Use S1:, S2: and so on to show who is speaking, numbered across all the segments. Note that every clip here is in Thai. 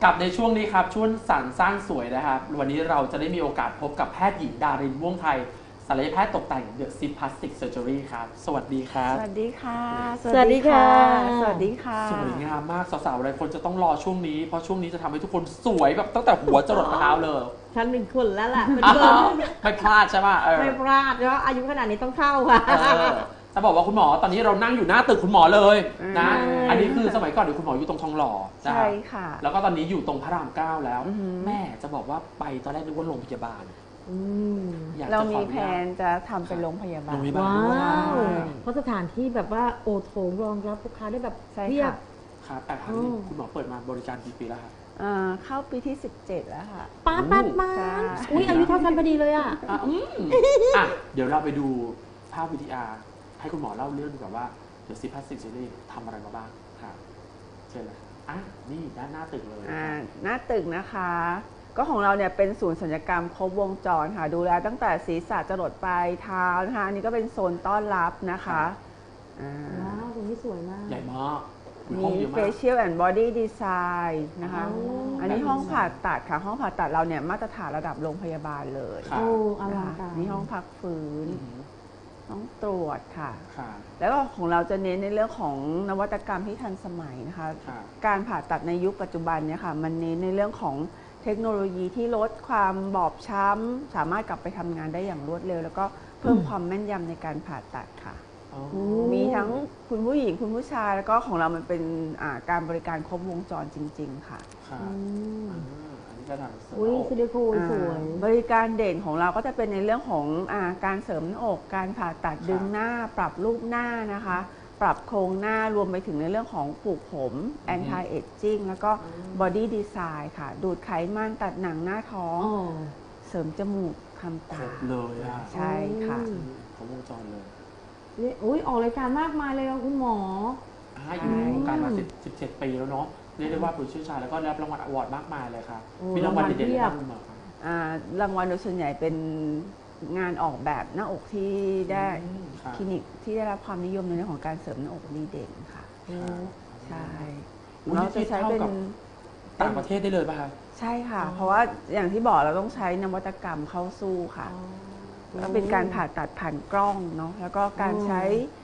S1: กับในช่วงนี้ครับช่วงสรรสร้างสวยนะครับวันนี้เราจะได้มีโอกาสพบกับแพทย์หญิงดารินม่วงไทยศัลยแพทย์ตกแต่ง The Zip Plastic Surgery ครับสวัสดีครับ
S2: สวัสดีค่ะ
S3: สวัสดีค่ะ
S2: สวัสดีค่ะ
S1: สวยงามมากสาวๆหลายคนจะต้องรอช่วงนี้เพราะช่วงนี้จะทำให้ทุกคนสวยแบบตั้งแต่หัวจรดเท้าเลย
S3: ฉันเป็นคนแล้วล่ะเป็น
S1: อ้า
S3: เบอร์
S1: วไม่พลาดใช่ไหม
S3: ไม่พลาดแล้วอายุขนาดนี้ต้องเข้าค่ะ
S1: จะบอกว่าคุณหมอตอนนี้เรานั่งอยู่หน้าตึกคุณหมอเลยนะ
S3: ใช่
S1: อันนี้คือสมัยก่อนเดี๋ยวคุณหมออยู่ตรงทองหล่อนะ
S2: ใช่ค่ะ
S1: แล้วก็ตอนนี้อยู่ตรงพระราม9แล้ว
S2: อือหือ
S1: แม่จะบอกว่าไปตอนแรกนึกว่าโรงพยาบาล
S3: อืม
S1: อยาก
S2: เรา
S1: จะข
S2: มี
S1: ออนุ
S2: แผ
S1: ญาต
S2: นจะทำเป็นโรงพยาบาล
S1: โรงพยาบาล
S3: ว้า
S1: ด้วย
S3: วเพราะสถานที่แบบว่าโอโถงรองรับลูกค้าได้แบบ
S2: ใช่
S3: เพียบ
S2: ค่ะ
S1: ครับแต่ครั้งนี้คุณหมอเปิดมาบริการกี่ปีแล้วครับ
S2: เข้าปีที่ 17 แล้วค่ะ
S3: ป้าดป้าดมา
S2: ใช่
S3: อุ้ยอายุเท่ากันพอดีเลยอ่ะ
S1: อ่ะเดี๋ยวเราไปดูภาพวิทยาให้คุณหมอเล่าเรื่องดีกว่าว่าเดี๋ยวซิพาสติกซีรีส์ทำอะไรมาบ้างครับเชิญเลยอ่ะนี่ด้านหน้าตึกเลย
S2: หน้าตึกนะคะ ก็ของเราเนี่ยเป็นศูนย์ศัลยกรรมครบวงจรค่ะดูแลตั้งแต่ศีรษะจรดปลายเท้านะคะอันนี้ก็เป็นโซนต้อนรับนะคะอ่า
S3: ว้าวตรงนี้สวยมาก
S1: ใหญ่มากห้
S2: มี
S1: องเยอะมาก
S2: facial and body design นะคะ
S3: อ๋ออั
S2: อันนี้ห้องผ่าตัดค่ะ ห้องผ่าตัดเราเนี่ยมาตรฐานระดับโรงพยาบาลเลย
S1: ครับ
S3: โอ้อลัง
S2: นะคะ
S3: การ
S2: นี่ห้องพักฟื้
S1: อื
S2: น
S1: อหือ
S2: ต้องตรวจค่ะ
S1: ครับ
S2: แล้วก็ของเราจะเน้นในเรื่องของนวัตกรรมที่ทันสมัยนะคะ
S1: ครับ
S2: การผ่าตัดในยุคปัจจุบันเนี่ยค่ะ มันเน้นในเรื่องของเทคโนโลยีที่ลดความบอบช้ำสามารถกลับไปทำงานได้อย่างรวดเร็ว แล้วก็เพิ่มความแม่นยำในการผ่าตัดค่ะ
S1: อ๋อ
S2: มีทั้งคุณผู้หญิงคุณผู้ชาย แล้วก็ของเรามันเป็นการบริการครบวงจรจริง ๆ ค่ะ
S1: ครับ
S3: อืม
S1: อันนี้ก็ทางเสริม
S3: อุ้ย
S1: หน้าอก
S3: ซิลิโคนสวย
S2: บริการเด่นของเราก็จะเป็นในเรื่องของการเสริมหน้าอก การผ่าตัดดึงหน้า ปรับรูปหน้านะคะ ปรับโครงหน้ารวมไปถึงในเรื่องของปลูกผม anti aging แล้วก็ body design ค่ะ ดูดไขมันตัดหนังหน้าท้อง
S3: อ๋อ
S2: เสริมจมูกทำ
S1: คร
S2: ตา
S1: บเลยอ่ะ
S2: ใช่ค่ะ
S3: อืม
S1: ของวงจรเลย
S3: นี่อุ้ยออกรายการมากมายเลยอ่ะคุณหมอ
S1: อยู่ในวงการมา17 ปีแล้วเนาะเรียกได้ว่าผู้เชี่ยวชาญแล้วก็ได้รับรางวัลอวอร์ดมากมายเลยค่ะ
S3: โอ้
S1: มีรางวัลเด่นๆ
S3: รางวัลเพี
S1: อะไร
S3: ยบ
S1: บ้างคุณหมอครับ
S2: รางวัลโดยส่วนใหญ่เป็นงานออกแบบหน้าอกที่ได้
S1: ครับ
S2: คลินิกที่ได้รับความนิยมในเรื่องของการเสริมหน้าอกดีเด่นค่ะ ใช่
S1: อุ๊ย
S2: เราจะใช้เป็น
S1: เท่ากับต่างประเทศได้เลยป่ะคะ
S2: ใช่ค่ะ
S1: อ๋อ
S2: เพราะว่าอย่างที่บอกเราต้องใช้นวัตกรรมเข้าสู้ค่ะแล้วเป็นการผ่าตัดผ่านกล้องเนาะแล้วก็การใช้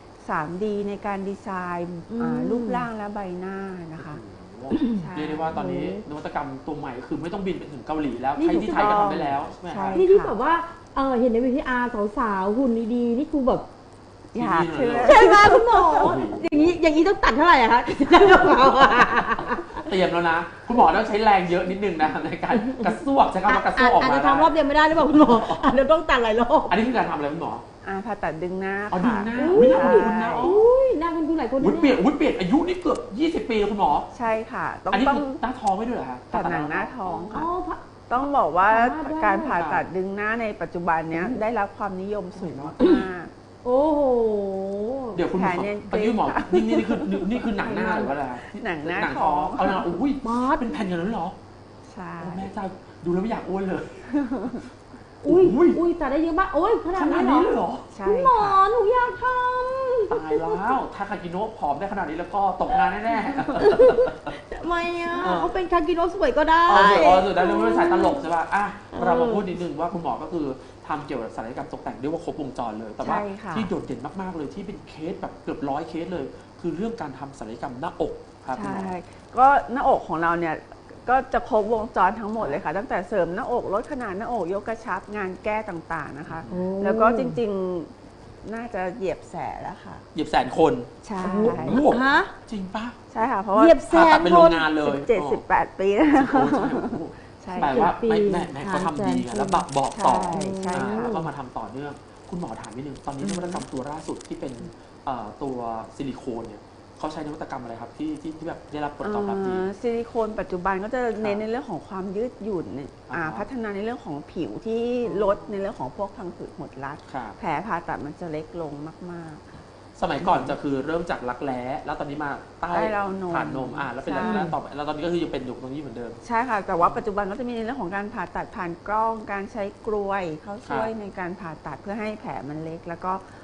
S2: 3D ในการดีไซน์รูปร่างและใบหน้านะคะ
S1: โอ้โห
S2: ใช่
S1: เรียกได้ว่าตอนนี้นวัตกรรมตัวใหม่คือไม่ต้องบินไปถึงเกาหลีแล้ว
S3: นี่
S1: ใครที่ไทยก็ทำได้แล้วใช่ไหม
S2: ใช่
S1: ครับ
S3: นี่ที่แบบว่าเห็นในวิทยาสาวๆหุ่นดีๆนี่คือแบบ
S2: อยากเชื่อ
S3: ใช่ไหมคุณหมอ
S1: โอ้โห
S3: อย่างนี้ต้องตัดเท่าไหร่อะคะได้กับเราอะ
S1: เตรียมแล้วนะ คุณหมอต้องใช้แรงเยอะนิดนึงนะในการกระซวกใช้คำว่ากระซวกออก
S3: อาจ
S1: มา
S3: จะทำรอบเดียวไม่ได้หรือเปล่าคุณหมออาจจะต้องตัดหลายรอบ
S1: อันนี้คือการทำอะไรคุณหมอ
S2: ผ่าตัดดึงหน้า
S1: อ๋อดึง
S2: ค่ะ
S1: หน้า
S2: ใช่
S1: อุ๊ยหน้าคุณนะ
S3: อุ้ยหน้าคุณดูหลายคน
S1: วุ้ย
S3: นะ
S1: เปลี่ยน
S3: เนี่ย
S1: วุ้ยเปลี่ยนอายุนี่เกือบ20 ปีแล้วคุณหมอ
S2: ใช่ค่ะ
S1: อันนี้
S2: ต้อง
S1: คือหน้าท้องไม่ด้วยเหรอคะ
S2: ตัดหนังหน้าท้อง
S3: อ๋
S2: ค่ะ
S3: อพระ
S2: ต้องบอกว่า
S3: สามารถได้
S2: การผ่าตัดดึงหน้าในปัจจุบันเนี้ยได้รับความนิยมสูงมาก
S3: โอ้โห
S1: เดี๋ยวคุณหมอ
S2: แผลเนี่ย
S1: อายุหมอนี่คือหนังหน้าหรือว่าอะไร
S2: หนังหน้า
S1: หนัง
S2: ท้
S1: ท้
S2: อ
S1: อง
S2: ง
S1: เอาหนังอุ้ย
S3: บอส
S1: เป็นแผ่นอย่างนั้นเหรอ
S2: ใช่
S1: โอ้แม่เจ้าดูแล้วไม่อยากอ้วนเลย
S3: อุ้ย
S1: อุ้ย
S3: อุ้ยตัดได้เยอะมากโอ้ยขนา
S1: ข
S3: ด
S1: นาด
S3: นี้
S1: นี้เลย
S3: เห
S1: เห
S3: ร
S1: ร
S3: อ
S1: อ
S2: ใช่
S3: คุณหมอ
S2: ค่ะ
S3: หนูอยากท
S1: ตายแล้วถ้าคากิโนะผอมได้ขนาดนี้แล้วก็ตกงานแน่
S3: ำทำไมอ่ะเขาเป็นคากิโนะสวยก็ได้
S1: ๆสุดได้เรื่องไม่ใส่ตลกใช่ป่ะอ่ะเรามาพูดนิดนึงว่าคุณหมอก็คือทำเกี่ยวกับศัลยกรรมตกแต่งเรียกว่าครบวงจรเลย แต่ว่า
S2: ใช่ค่ะ
S1: ที่โดดเด่นมากๆเลยที่เป็นเคสแบบเกือบ100 เคสเลย คือเรื่องการทำศัลยกรรมหน้าอกครับคุณหมอ
S2: ใช่ก็หน้าอกของเราเนี่ยก็จะครบวงจรทั้งหมดเลยค่ะ ตั้งแต่เสริมหน้าอกลดขนาดหน้าอกยกกระชับงานแก้ต่างๆนะคะ
S3: โอ้
S2: แล้วก็จริงๆน่าจะเหยียบแสนแล้วค่ะ
S1: เหยียบแสนคน
S2: ใช่
S1: โอ้โห
S3: ฮะ
S1: จริงปะ
S2: ใช่ค่ะเพราะว่า
S3: เหยียบแส
S1: ผ่าตั
S3: น
S1: ดเป็น
S3: ค
S1: โรง
S3: น
S1: งานเลย
S2: 17-18 ปีแล้ว
S1: โอ้โห
S2: ใช่
S1: แปล
S2: ค่ะ
S1: ว่าแม่เขาทำดีไงแล้วบอกต่อ
S2: ใช่ค่ะ
S1: แล้วก็มาทำต่อเนื่องคุณหมอถามนิดนึงตอนนี้นวัตกรรมตัวล่าสุดที่เป็นตัวซิลิโคนเนี่ยเขาใช้นวัตกรรมอะไรครับที่แบบได้รับผลตอบรับดี
S2: ซิลิโคนปัจจุบันก็จะเน้น
S1: ครับ
S2: ในเรื่องของความยืดหยุ่นเนี่ย
S1: อ่าฮะ
S2: พัฒนาในเรื่องของผิวที่ลดในเรื่องของพวกพังผืดหดรัด
S1: ครับ
S2: แผลผ่าตัดมันจะเล็กลงมาก
S1: สมัยก่อนจะคือเริ่มจากรักแร้แล้วตอนนี้มาใต้
S2: ใต้ราวนม
S1: ผ่านนมแล้วเป็นรักแร้ต่อไปแล้วตอนนี้ก็คือยังเป็นอยู่ตรงนี้เหมือนเดิม
S2: ๆ ใช่ค่ะ แต่ว่าปัจจุบันก็จะมีในเรื่องของการผ่าตัดผ่านกล้อง การใช้กลวยเข้าช่วย
S1: ครับ
S2: ในการผ่าตัดเพื่อให้แผลมันเล็ก แล้วก็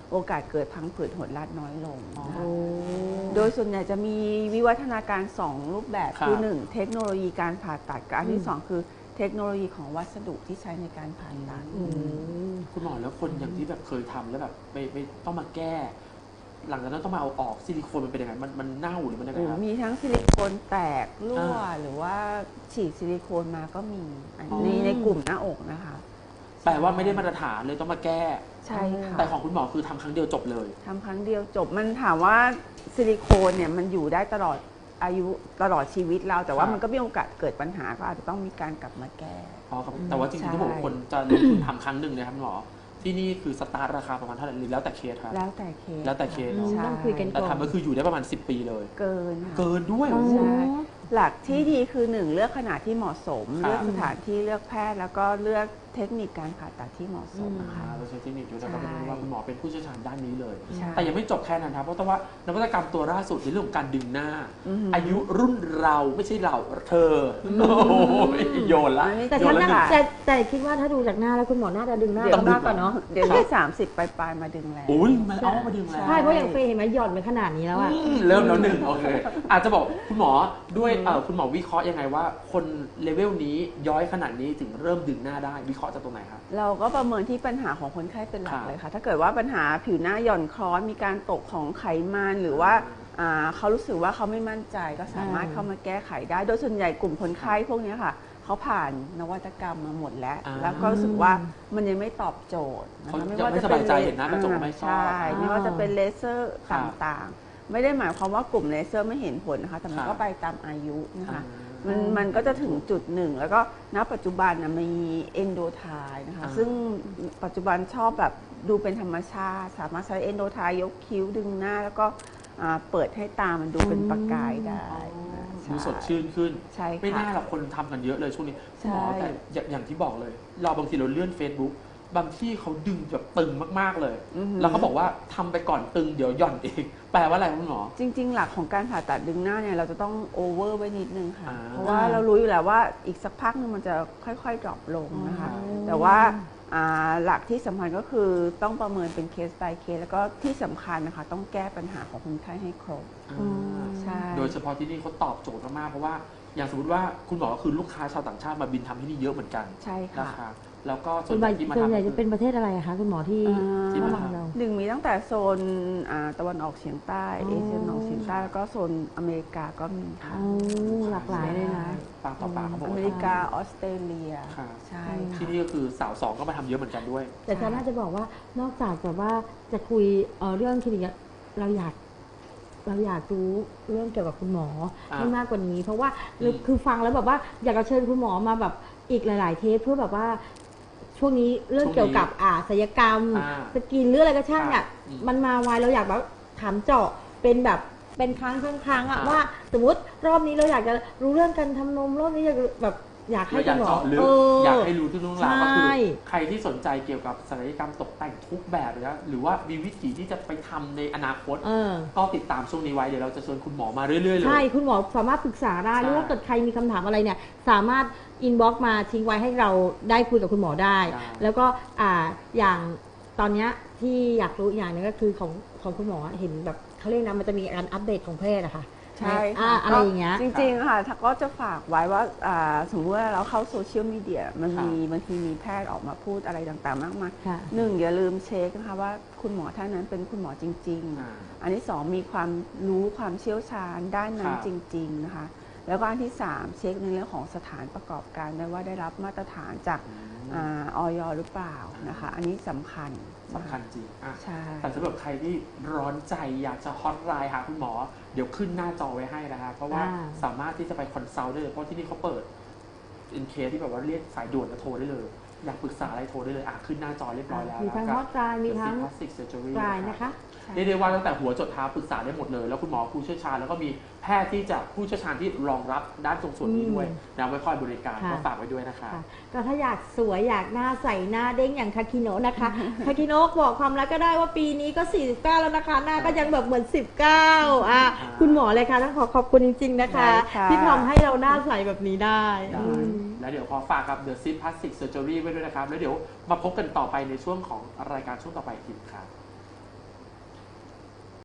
S2: โอกาสเกิดพังผืดหดรัดน้อยลงนะคะ
S3: โอ้
S2: โดยส่วนใหญ่จะมีวิวัฒนาการ 2 รูปแบบ
S1: ครับ
S2: คือ 1 เทคโนโลยีการผ่าตัดกับอันที่ 2 คือเทคโนโลยีของวัสดุที่ใช้ในการผ่าตัด
S3: อืม
S1: คุณหมอแล้วคนอย่างที่แบบเคยทำแล้วแบบไปต้องมาแก้ หลังจากนั้นต้องมาเอาออกซิลิโคนมันเป็นยังไงมันเน่าหรือมันยังไงครับ
S2: มีทั้งซิลิโคนแตกรั่ว
S1: อ่า
S2: หรือว่าฉีดซิลิโคนมาก็มีอัน
S1: อ๋อ
S2: ในกลุ่มหน้าอกนะคะ
S1: แปลว่าไม่ได้มาตรฐานเลยต้องมาแก้
S2: ใช่ค่ะ
S1: แต่ของคุณหมอคือทำครั้งเดียวจบเลย
S2: ทำครั้งเดียวจบมันถามว่าซิลิโคนเนี่ยมันอยู่ได้ตลอดอายุตลอดชีวิตเรา แต่ว่า
S1: ครับ
S2: มันก็มีโอกาสเกิดปัญหาก็อาจจะต้องมีการกลับมาแก้
S1: อ๋อครับแต่ว่าจริง
S2: ใช่
S1: ๆที่บอกว่าคนจะลงทุนทำครั้งหนึ่งนะครับคุณหมอที่นี่คือสตาร์ทราคาประมาณเท่าไหร่หรือแล้วแต่เคสครับ
S2: แล้วแต่เคส
S1: แล้วแต่เคสเนอะ
S2: ใช่
S3: ต้องคุยกัน
S1: แต่ทำก็คืออยู่ได้ประมาณ10 ปีเลย
S2: เกินค่ะ
S1: เกินด้วย
S3: อ๋อ
S2: ใช่ หลักที่ดีคือ 1 เลือกขนาดที่เหมาะสม
S1: ครับ
S2: เลือกสถานที่เลือกแพทย์แล้วก็เลือกเทคนิคการผ่าตัดที่เหมาะสมนะคะ
S1: เราใช้เทคนิคด้วยนะครับ
S2: ใช่
S1: เพราะว่าคุณหมอเป็นผู้เชี่ยวชาญด้านนี้เลย
S2: ใช่
S1: แต่ยังไม่จบแค่นั้นครับเพราะว่านวัตกรรมตัวล่าสุดในเรื่องของการดึงหน้า
S2: อือหือ
S1: อายุรุ่นเราไม่ใช่เราเธอโอ้โหโยนละ
S2: อันนี้
S3: แต่
S1: โย
S3: ฉั
S1: น
S3: น
S1: ละ
S3: น่ะ
S1: หนึ่ง
S3: แต่คิดว่าถ้าดูจากหน้าแล้วคุณหมอน่าจะดึงหน้า
S2: เดี๋ยว
S3: มากกว่าเนาะ
S2: เดี๋ยวนี้30 ปลายๆมาดึงแล้ว
S1: อุ้ยมันเอามาดึงแล้ว
S3: ใช่เพราะอย่างเฟย์เห็นไหมหย่อนไปขนาดนี้แล้วอะ
S1: เริ่มแล้วหนึ่งโอเคอาจจะบอกคุณหมอด้วยคุณหมอวิเคราะห์ยังไงว่า คนเลเวลนี้ย้อยขนาดนี้ถึงเริ่มดึงหน้าได้วิเคราะห์จากตรงไหนครับ
S2: เราก็ประเมินที่ปัญหาของคนไข้เป็นหลั
S1: ครั
S2: ก
S1: บ
S2: เลยค่ะ ถ้าเกิดว่าปัญหาผิวหน้าหย่อนคล้อยมีการตกของไขมันหรือว่าเขารู้สึกว่าเขาไม่มั่นใจก็สามารถเข้ามาแก้ไขได้ โดยส่วนใหญ่กลุ่มคนไข้พวกนี้ค่ะเขาผ่านนวัตกรรมมาหมดแล้ว แล้วก็รู้สึกว่ามันยังไม่ตอบโจทย์นะคะ
S1: เขายังไม่สบายใจเห็นหน้ากระจกไม่ชอบ
S2: ใช่ไม่ว่าจะเป็นเลเซอร์ต่างๆ ไม่ได้หมายความว่ากลุ่มเลเซอร์ไม่เห็นผลนะคะแต่มันก็ไปตามอายุนะคะ มันก็จะถึงจุดหนึ่ง แล้วก็ณปัจจุบันนะมีเอนโดไทนะคะ ซึ่งปัจจุบันชอบแบบดูเป็นธรรมชาติ สามารถใช้เอนโดไทยกคิ้วดึงหน้า แล้วก็เปิดให้ตามันดูเป็นประกายได้ใช่
S1: ดูสดชื่นขึ้น
S2: ใช่
S1: ไม่
S2: ค่ะ
S1: น่าหรอกคนทำกันเยอะเลยช่วงนี้คุณหมอ
S2: ใช่
S1: แต่อย่างที่บอกเลย เราบางทีเราเลื่อน Facebook บางที่เขาดึงแบบตึงมากๆเลย แล้วเขาบอกว่าทำไปก่อนตึงเดี๋ยวหย่อนเอง แปลว่าอะไรคุณหมอ
S2: จริง ๆ หลักของการผ่าตัดดึงหน้าเนี่ยเราจะต้องโอเวอร์ไว้นิดนึงค่ะ
S1: อ่า
S2: เพราะว่าเรารู้อยู่แล้วว่าอีกสักพักนึงมันจะค่อยๆ ดรอปลงนะคะ
S1: อ๋อ
S2: แต่ว่าหลักที่สำคัญก็คือต้องประเมินเป็นเคส by เคสแล้วก็ที่สำคัญนะคะต้องแก้ปัญหาของคนไข้ให้ครบ ใช่
S1: โดยเฉพาะที่นี่เขาตอบโจทย์มากๆเพราะว่าอย่างสมมติว่าคุณหมอก็คือลูกค้าชาวต่างชาติมาบินทำที่นี่เยอะเหมือนกัน
S2: ใช่
S1: นะ
S2: ค่ะ
S1: คะแล้วก็ส่
S3: ส่
S1: ว
S3: วน
S1: น
S3: ให
S1: ให
S3: ญ่
S1: ญ่ที่มา
S3: ส่วนใหญ่
S1: ทำ
S3: จะเป็นประเทศอะไรอะคะคุณหมอที่
S1: ที่มา
S3: ระหว่างเรา
S2: หนึ่งมีตั้งแต่โซนตะวันออกเฉียงใต้
S3: อ๋อ
S2: เอเชียตะวันออกเฉียงใต้แล้วก็โซนอเมริกาก็มีค่ะ
S3: โอ้หลากหลายเลยนะ
S1: ปากต่อปากเขาบอก
S2: อเม
S1: ว่า
S2: ริกาออสเตรเลีย
S1: ครับ
S2: ใช่
S1: ที่นี่ก็คือสาวสองก็มาทำเยอะเหมือนกันด้วย
S3: แต่ฉันน่าจะบอกว่านอกจากแบบว่าจะคุยเรื่องคลินิกอะเราอยากรู้เรื่องเกี่ยวกับคุณหมอ
S1: อ่า
S3: ให้มากกว่านี้ เพราะว่า
S1: อืม
S3: คือฟังแล้วแบบว่าอยากจะเชิญคุณหมอมาแบบอีกหลาย ๆ เทปเพื่อแบบว่าช่วงนี้เรื่องเกี่ยวกับศัลยกรรม สกินหรืออะไรก็ช่างเนี่ย
S1: อืม
S3: มันมาไวเราอยากแบบถามเจาะเป็นแบบเป็นครั้งอะ
S1: อ่า
S3: ว่าสมมติรอบนี้เราอยากจะรู้เรื่องการทำนมรอบนี้อยากให้
S1: เราอยาก
S3: คุณหมอ
S1: เจาะลึก
S3: เออ
S1: อยากให้รู้ทุกเรื่องราวก็คือ
S3: ใช่
S1: ใครที่สนใจเกี่ยวกับศัลยกรรมตกแต่งทุกแบบเลยนะหรือว่ามีวิธีที่จะไปทำในอนาคต
S3: เออ
S1: ก็ติดตามช่วงนี้ไว้เดี๋ยวเราจะชวนคุณหมอมาเรื่อยๆเลย
S3: ใช่ คุณหมอสามารถปรึกษาได้
S1: ใช่
S3: หรือว่าเกิดใครมีคำถามอะไรเนี่ย สามารถอินบ็อกซ์มาทิ้งไว้ให้เราได้คุยกับคุณหมอได้
S1: ได้
S3: แล้วก็อย่างตอนเนี้ยที่อยากรู้อย่างหนึงก็คือของคุณหมอเห็นแบบเขาเรียกนะมันจะมีการอัปเดตของเพศอะค่ะ
S2: ใช่ค่ะ
S3: อะไรอย่างเงี้ย
S2: จริงๆค่ะก็จะฝากไว้ว่าสมมติว่าเราเข้าโซเชียลมีเดียมันมีบางทีมีแพทย์ออกมาพูดอะไรต่างๆ มากมาย
S3: ค่ะ
S2: หนึ่งอย่าลืมเช็คนะคะว่าคุณหมอท่านนั้นเป็นคุณหมอจริง
S1: อ่า
S2: ๆ อันที่สองมีความรู้ความเชี่ยวชาญด้านนั้น
S1: ครับ
S2: จริง ๆนะคะ แล้วก็อันที่สามเช็คในเรื่องของสถานประกอบการด้วยว่าได้รับมาตรฐานจากออยหรือเปล่านะคะ อันนี้สำคัญนะะ
S1: สำคัญจริงอ่ะ
S2: ใช่
S1: แต่สำหรับใครที่ร้อนใจอยากจะฮอตไลน์หาคุณหมอ เดี๋ยวขึ้นหน้าจอไว้ให้นะคะเพราะว่าสามารถที่จะไปคอนซัลท์ได้เลยเพราะที่นี่เขาเปิดอินเคสที่แบบว่าเรียกสายด่วนแล้วโทรได้เลย อยากปรึกษาอะไรโทรได้เลยขึ้นหน้าจอเรียบร้อยแล้ว
S3: มีทั้งฮอตไลน์มีทั้ง
S1: พลาสติกเซอร์เจอรี่
S3: กลายนะคะ
S1: เรียกได้ว่าตั้งแต่หัวจดเท้าปรึกษาได้หมดเลย แล้วคุณหมอผู้เชี่ยวชาญแล้วก็มีแพทย์ที่จะผู้เชี่ยวชาญที่รองรับด้านตรงส่วนนี้ด้วยนะไว้คอยบริการ
S3: ค่ะ
S1: ก็ฝากไว้ด้วยนะคะ
S3: ค่ะก็ถ้าอยากสวยอยากหน้าใสหน้าเด้งอย่างคาคิโนะนะคะ คาคิโนะบอกความรักก็ได้ว่าปีนี้ก็ 49 แล้วนะคะ หน้าก็ยังแบบเหมือน คุณหมอเลยค่ะต้องขอบคุณจริง ๆ นะคะ
S2: ได้ค่ะ
S3: ที่ทำให้เราหน้าใสแบบนี้ได้
S1: ได้ แล้วเดี๋ยวขอฝากกับ The Zip Plastic Surgery ไว้ด้วยนะครับ แล้วเดี๋ยวมาพบกันต่อไปในช่วงของรายการช่วงต่อไปอีกทีครับ